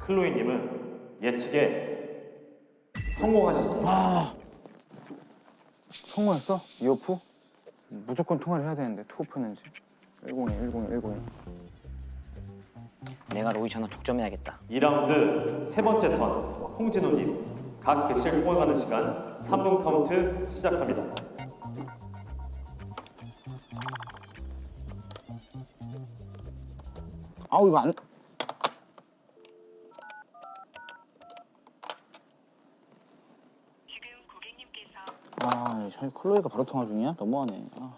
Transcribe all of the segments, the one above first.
클로이님은 예측에 성공하셨습니다. 성공했어? 이오프? 무조건 통화를 해야 되는데 투오프는지 102, 102, 102. 내가 로이 전화 독점해야겠다. 2라운드 세 번째 턴 홍진호님 각 객실 통화가는 시간 3분 카운트 시작합니다. 아우 이거 안... 지금 고객님께서 아, 저 클로이가 바로 통화 중이야? 너무하네. 아.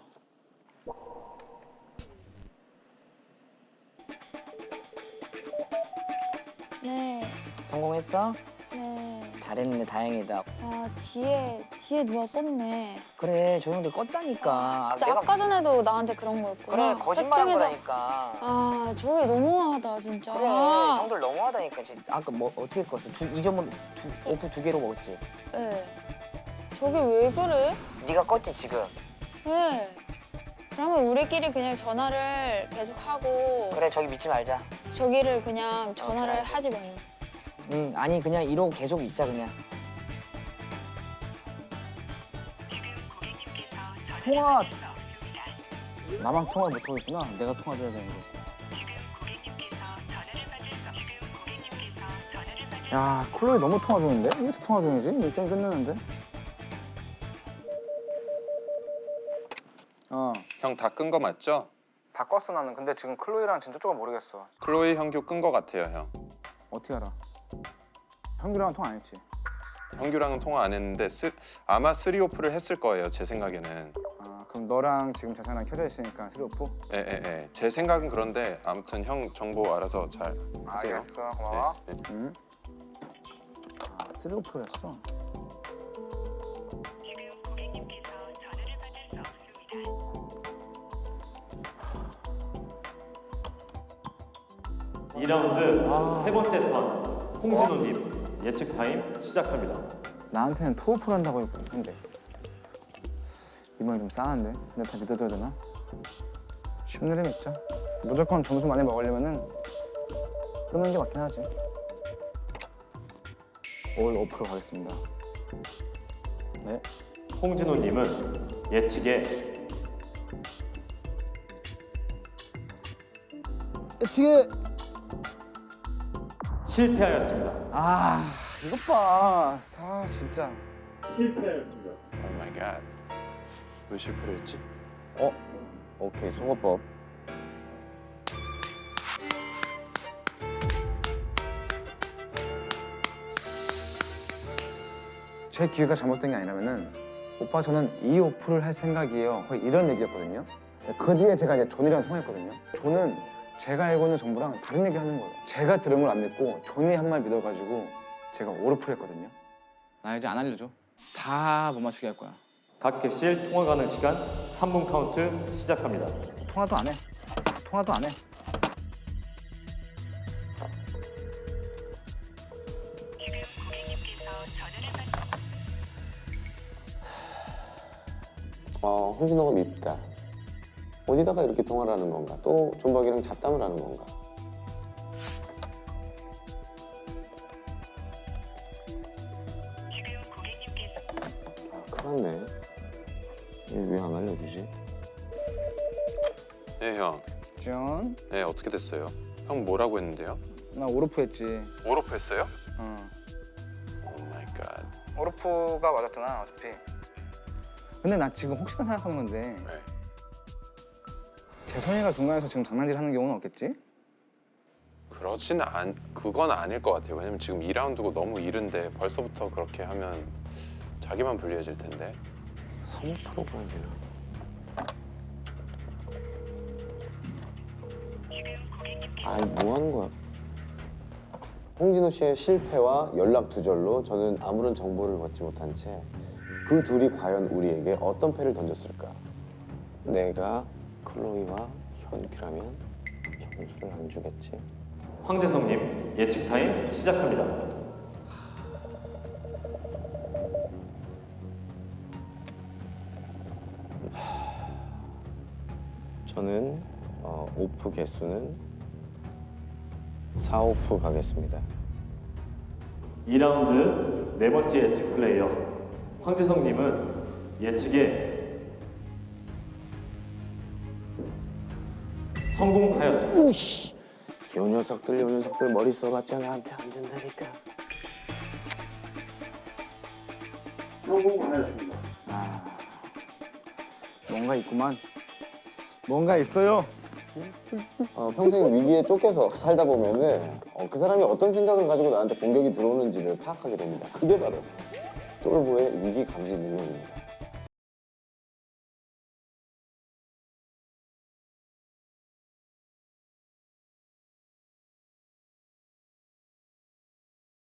네, 성공했어? 네. 잘했는데 다행이다. 아, 뒤에 누가 껐네. 그래, 저 형들 껐다니까. 진짜 내가- 아까 전에도 나한테 그런 거였구나. 그래, 거짓말한 셋 중에서- 거라니까. 아, 저게 너무하다, 진짜. 그래, 아, 형들 너무하다니까. 아까 뭐 어떻게 껐어? 이전번 오프 2개로 먹었지? 네. 저게 왜 그래? 네가 껐지 지금? 네. 그러면 우리끼리 그냥 전화를 계속 하고 그래, 저기 믿지 말자. 저기를 그냥 전화를 그래. 하지 말고. 응, 아니 그냥 이러고 계속 있자 그냥. 지금 고객님께서 통화! 전화를 받을 수 없습니다. 나만 통화 못하겠구나. 내가 통화해야 되는데. 지금 고객님께서 전화를 받을 수 지금 고객님께서 전화를 받을 야, 클로이 너무 통화 중인데? 왜 이렇게 통화 중이지? 일정이 끝났는데? 형 다 끈 거 맞죠? 다 껐어 나는. 근데 지금 클로이랑 진짜 조금 모르겠어. 클로이 형규 끈 거 같아요 형. 어떻게 알아? 형규랑 통화 안 했지? 형규랑은 통화 안 했는데 아마 3오프를 했을 거예요 제 생각에는. 아, 그럼 너랑 지금 재산이랑 켜져 있으니까 스리오프? 예. 제 생각은 그런데 아무튼 형 정보 알아서 잘 하세요. 알겠어. 고마워. 네, 네. 응? 아, 스리오프를 했어? 지금 고객님께서 전화를 받을 수 없습니다. 2라운드 세 번째 턴 홍진호님 예측 타임 시작합니다. 나한테는 투오프를 한다고 했는데 이번에 좀 싸한데? 근데 다 믿어줘야 되나? 쉽내림 있자. 무조건 점수 많이 먹으려면은 끄는 게 맞긴 하지. 올 오프로 가겠습니다. 네. 홍진호님은 예측에 예측에 실패하였습니다. 아 이것 봐. 진짜. 실패하였습니다. 오 마이 갓. 왜 실패를 했지? 오케이 송어법. 제 기회가 잘못된 게 아니라면은 오빠 저는 이 오프를 할 생각이에요. 거의 이런 얘기였거든요. 그 뒤에 제가 이제 존이랑 통화했거든요. 존은 제가 알고 있는 정보랑 다른 얘기를 하는 거예요. 제가 들은 걸 안 믿고 존이 한 말 믿어가지고 제가 오르프를 했거든요. 나 이제 안 알려줘. 다 못 맞추게 할 거야. 각 객실 통화 가능 시간 3분 카운트 시작합니다. 통화도 안 해. 통화도 안 해. 지금 고객님께서 전화를 받을 홍진호가 밉다. 어디다가 이렇게 통화를 하는 건가? 또 존박이랑 잡담을 하는 건가? 지금 고객님께서 큰일 났네. 왜 안 알려주지? 예 형. 존, 네 어떻게 됐어요? 형 뭐라고 했는데요? 나 오르프 했지. 오로프 했어요? 어. 오 마이 갓. 오르프가 맞았잖아 어차피. 근데 나 지금 혹시나 생각하는 건데 네. 재선이가 중간에서 지금 장난질 하는 경우는 없겠지? 그건 아닐 것 같아요. 왜냐면 지금 2라운드고 너무 이른데 벌써부터 그렇게 하면 자기만 불리해질 텐데. 3%가 아니라. 지금 고객님께서 아이 뭐 하는 거야? 홍진호 씨의 실패와 연락 두절로 저는 아무런 정보를 받지 못한 채 그 둘이 과연 우리에게 어떤 패를 던졌을까? 내가 클로이와 현규라면 점수를 안 주겠지? 황재성님 예측 타임 시작합니다. 저는 오프 개수는 4오프 가겠습니다. 2라운드 네 번째 예측 플레이어 황재성님은 예측에 성공하였습니다. 요 녀석들 머리 써봤자 나한테 안 된다니까. 뭔가 있구만. 뭔가 있어요. 평생 위기에 쫓겨서 살다 보면은 그 사람이 어떤 생각을 가지고 나한테 공격이 들어오는지를 파악하게 됩니다. 그게 바로 쫄보의 위기 감지 능력입니다.